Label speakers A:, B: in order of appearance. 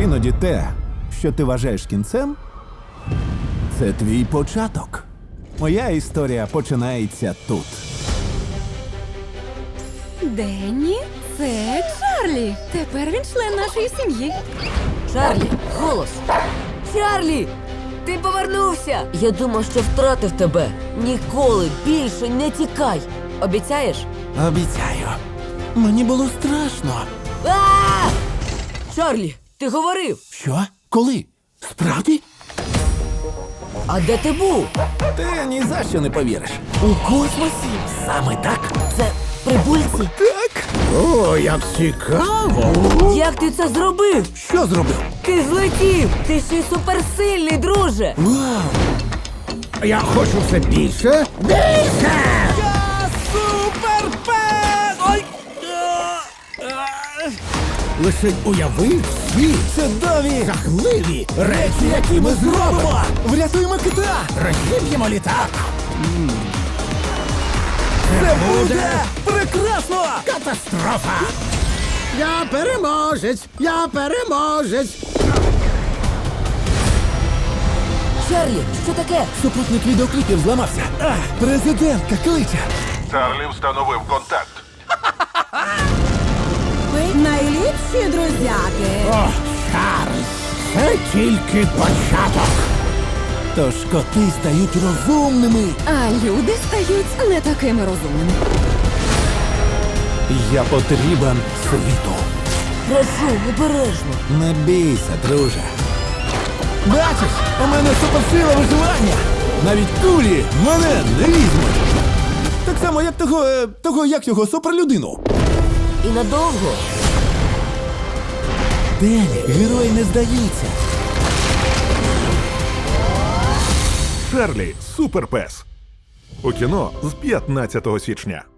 A: Іноді те, що ти вважаєш кінцем, це твій початок. Моя історія починається тут.
B: Денні, це Чарлі. Тепер він член нашої сім'ї.
C: Чарлі, голос! Чарлі! Ти повернувся! Я думав, що втратив тебе. Ніколи більше не тікай. Обіцяєш?
A: Обіцяю. Мені було страшно.
C: А! Чарлі, ти говорив!
A: Що? Коли? Справді?
C: А де ти був?
A: Ти ні за що не повіриш.
C: У космосі?
A: Саме так?
C: Це прибульці?
A: Так? О, як цікаво.
C: Як ти це зробив?
A: Що зробив?
C: Ти злетів! Ти ще й суперсильний, друже!
A: Вау!
D: Я хочу все більше. Більше!
A: Я суперпес! Ой!
D: Лише уяви всі
A: Чудові!
D: жахливі речі, які ми зробимо.
A: Врятуємо кита!
D: Розіб'ємо літак.
A: Це буде прекрасно!
D: Катастрофа! Я переможець! Я переможець!
C: Чарлі, що таке?
A: Супутник відеокліпів зламався. Президентка кличе.
E: Чарлі встановив контакт.
B: Ви найліпші друзяки.
D: О, Чарльз! Це тільки початок.
A: Тож коти стають розумними.
B: А люди стають не такими розумними.
A: Я потрібен світу.
C: Прошу, обережно.
A: Не бійся, друже. Бачиш, у мене суперсила виживання. Навіть кулі мене не візьмуть. Так само, як того як його суперлюдину.
C: І надовго.
A: Дені, герой не здається.
E: Чарлі суперпес. У кіно з 15 січня.